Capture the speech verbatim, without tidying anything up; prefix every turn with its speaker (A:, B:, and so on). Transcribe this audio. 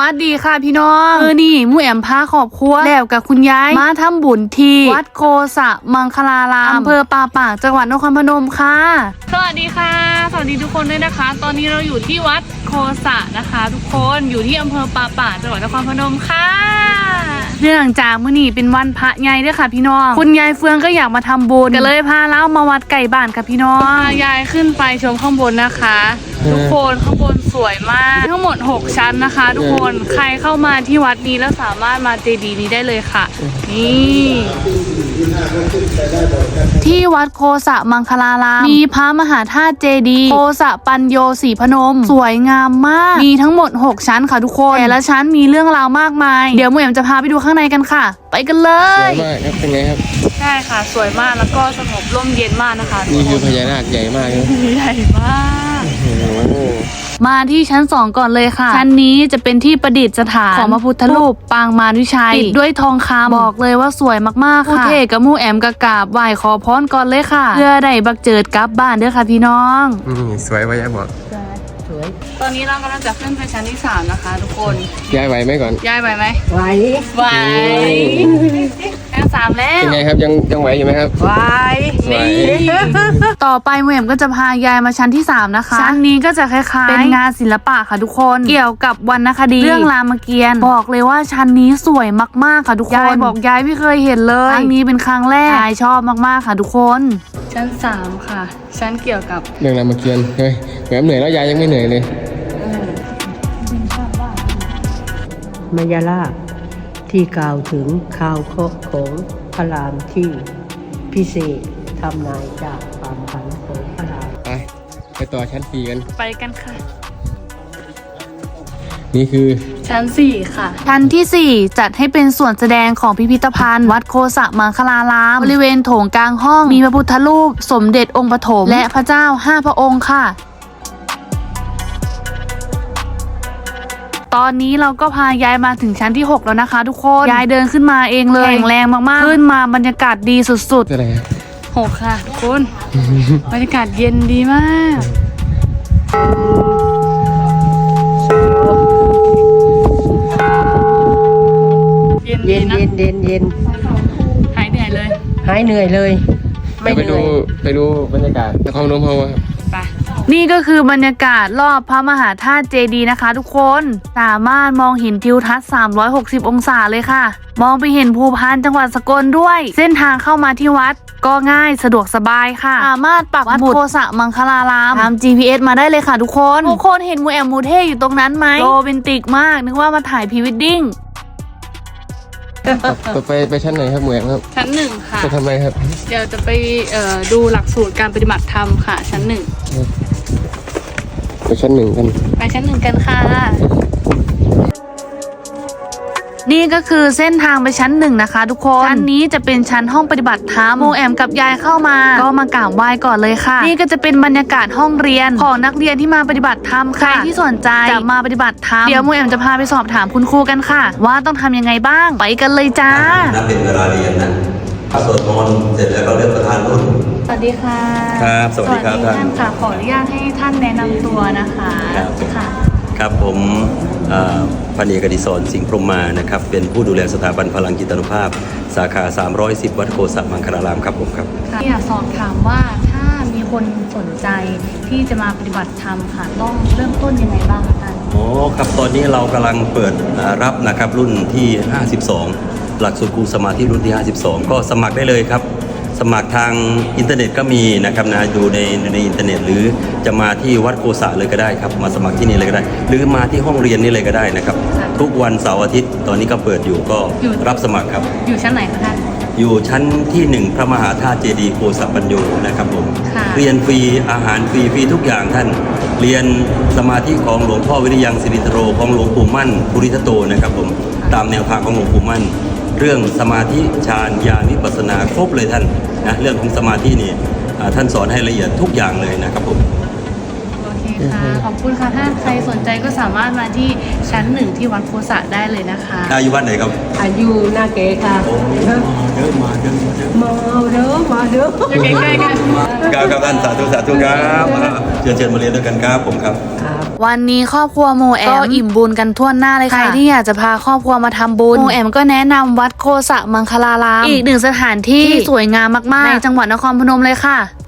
A: วัสดีค่ะพี่น้องคือนี่มู่แอมพาครอบครัวแล้วกับคุณยายมาทำบุญที่วัดโคสะมังคลารามอำเภอป่าปากจังหวัดนครพนมค่ะสวัสดีค่ะสวัสดีทุกคนด้วยนะคะ ตอนนี้เราอยู่ที่วัดโคสะนะคะ ทุกคนอยู่ที่อำเภอป่าปากจังหวัดนครพนมค่ะเนื่องจากมื้อนี้เป็นวันพระใหญ่ด้วยค่ะพี่น้องคุณยายเฟืองก็อยากมาทำบุญก็เลยพาเล่ามาวัดไก่บ้านค่ะพี่น้องยายขึ้นไปชมข้างบนนะคะทุกคนข้างบนสวยมากทั้งหมดหกชั้นนะคะทุกคนใครเข้ามาที่วัดนี้แล้วสามารถมาเจดีย์นี้ได้เลยค่ะนี่ที่วัดโคสะมังคลารามมีพระมหาธาตุเจดีย์โคสะปัญโยศรีพนมสวยงามมากมีทั้งหมดหกชั้นค่ะทุกคนแต่ละชั้นมีเรื่องราวมากมายเดี๋ยวหมูแอมจะพาไปดูข้างในกันค่ะไปกันเลย
B: สวยมากครับเป็นไงครับ
A: ใช่ค่ะสวยมากแล้วก็สงบร่มเย็นมากนะคะ
B: นี่คือพญานาคใหญ่มากครับ
A: ใหญ่มากมาที่ชั้นสองก่อนเลยค่ะชั้นนี้จะเป็นที่ประดิษฐานของพระพุทธรูปปางมารวิชัยติดด้วยทองคำบอกเลยว่าสวยมากๆค่ะผู้เทกับมู่แอมกะกราบไหว้ขอพรก่อนเลยค่ะเพื่อได้บักเจิดกลับบ้านเด้อค่ะพี่น้อง
B: อืมสวยว่ายายบอก
A: สวยตอนนี้เรากำลังจะขึ้นไปชั้นที่สามนะคะทุกคน
B: ยายไหวไหมก่อน
A: ยายไหวไหม
C: ไหว
A: ไหวชั้นสามแล้ว
B: เป็นไงครับยังยังไหวอยู่ไหมครับ
C: ไหว
A: นี่ต่อไปมู่แอมก็จะพายายมาชั้นที่สามนะคะชั้นนี้ก็จะคล้ายๆเป็นงานศิลปะค่ะทุกคนเกี่ยวกับวรรณคดีเรื่องรามเกียรติ์บอกเลยว่าชั้นนี้สวยมากๆค่ะทุกคนยายบอกยายไม่เคยเห็นเลยครั้งนี้เป็นครั้งแรกยายชอบมากๆค่ะทุกคนชั้นสามค่ะชั้นเกี่ยวกับ
B: เรื่องรามเกียรติ์เฮ้ยแหมเหนื่อยแล้วยายยังไม่เหนื่อยเลย
C: มายาลาที่กล่าวถึงข่าวเคราะห์ของพระรามที่พิเศษทำนายจากความฝันของพระราม
B: ไปไปต่อชั้นสี่กัน
A: ไปกันค่ะ
B: นี่คือ
A: ชั้นสี่ค่ะชั้นที่สี่จัดให้เป็นส่วนแสดงของพิพิธภัณฑ์วัดโคสะมังคลารามบริเวณโถงกลางห้องมีพระพุทธรูปสมเด็จองค์ปฐมและพระเจ้าห้าพระองค์ค่ะตอนนี้เราก็พายายมาถึงชั้นที่หกแล้วนะคะทุกคนยายเดินขึ้นมาเองเลยแข็งแรงมากๆขึ้นมาบรรยากาศดีสุด
B: ๆอะไร
A: หกค่ะทุกคนบรรยากาศเย็นดีมาก
C: เย็นเย็นเย็นเย็นเย็น
A: หายเหนื่อยเลย
C: หายเหนื่อยเลย
B: ไม่ไปดูไปดูบรรยากาศนครพนมเขา
A: ไปนี่ก็คือบรรยากาศรอบพระมหาธาตุเจดีย์นะคะทุกคนสามารถมองเห็นทิวทัศน์สามร้อยหกสิบองศาเลยค่ะมองไปเห็นภูพานจังหวัดสกลด้วยเส้นทางเข้ามาที่วัดก็ง่ายสะดวกสบายค่ะสามารถปักหมุดโคสะมังคลารามตาม จี พี เอส มาได้เลยค่ะทุกคนทุกคนเห็นมูแอมมูเท่อยู่ตรงนั้นไหมโรแมนติกมากนึกว่ามาถ่ายพรีเวดดิ้ง
B: ไปไปชั้นไหนครับหมวยครับ
A: ชั้นหนึ่งค่ะ
B: ไปทำไมครับ
A: เดี๋ยวจะไปเอ่อดูหลักสูตรการปฏิบัติธรรมค่ะชั้นหนึ่ง
B: ไปชั้นหนึ่งกัน
A: ไปชั้นหนึ่งกันค่ะนี่ก็คือเส้นทางไปชั้นหนึ่งนะคะทุกคนชั้นนี้จะเป็นชั้นห้องปฏิบัติธรรมโมแอมกับยายเข้ามาก็มากราบไหว้ก่อนเลยค่ะนี่ก็จะเป็นบรรยากาศห้องเรียนของนักเรียนที่มาปฏิบัติธรรมใครที่สนใจจะมาปฏิบัติธรรมเดี๋ยวโมแอมจะพาไปสอบถามคุณครูกันค่ะว่าต้องทำยังไงบ้างไปกันเลยจ้า
D: นับเป็นเวลาเรียนนะสวดมนต์เสร็จแล้วก็เลือกประธานรุ่น
A: สวัสดีค่ะ
D: ครับสวัสดีครับท่าน
A: ค่ะขออนุญาตให้ท่านแนะนำตัวนะคะค่ะ
D: ครับผมพันเอกอดิศรสิงห์พรหมมานะครับเป็นผู้ดูแลสถาบันพลังจิตานุภาพสาขาสามร้อยสิบวัดโคสะมังคลารามครับผมครับ
A: อยากสอบถามว่าถ้ามีคนสนใจที่จะมาปฏิบัติธรรมค่ะต้องเริ่มต้นยังไงบ้างคะท่าน
D: โอ้ครับตอนนี้เรากำลังเปิดรับนะครับรุ่นที่ห้าสิบสองหลักสูตรครูสมาธิรุ่นที่ห้าสิบสองก็สมัครได้เลยครับสมัครทางอินเทอร์เน็ตก็มีนะครับนะดูในในอินเทอร์เน็ตหรือจะมาที่วัดโคสะเลยก็ได้ครับมาสมัครที่นี่เลยก็ได้หรือมาที่ห้องเรียนนี่เลยก็ได้นะครับทุกวันเสาร์อาทิตย์ตอนนี้ก็เปิดอยู่ก็รับสมัครครับ
A: อยู่ชั้นไหนคะท่าน
D: อยู่ชั้นที่หนึ่งพระมหาธาตุเจดีย์โคสะปัญโยนะครับผมเรียนฟรีอาหารฟรีฟรีทุกอย่างท่านเรียนสมาธิของหลวงพ่อวิริยังสิรินทโรของหลวงปู่มั่นภูริทัตโตนะครับผมตามแนวทางของหลวงปู่มั่นเรื่องสมาธิฌานญาณวิปัสสนาครบเลยท่านนะเรื่องของสมาธินี่ท่านสอนให้ละเอียดทุกอย่างเลยนะครับผม
A: โอเคค่ะขอบคุณค่ะถ้าใครสนใจก็สามารถมาที่ชั้นหนึ่งที่วัดโคสะได้เลยนะคะ
D: อายุวัดไหนครับ
C: อายุหน้าเก๋ค่ะ
D: เยอะมาเยอะมาเยอะ
C: มาเด้อมาเด้อ
A: อยู่ใกล้ๆกัน
D: ครับครับท่านสาธุสาธุครับเชิญเชิญมาเรียนด้วยกันครับผมครับ
A: วันนี้ครอบครัวโมแอมก็อิ่มบุญกันทั่วหน้าเลยค่ะใครที่อยากจะพาครอบครัวมาทำบุญโมแอมก็แนะนำวัดโคสะมังคลารามอีกหนึ่งสถานที่ที่สวยงามมากๆในจังหวัดนครพนมเลยค่ะ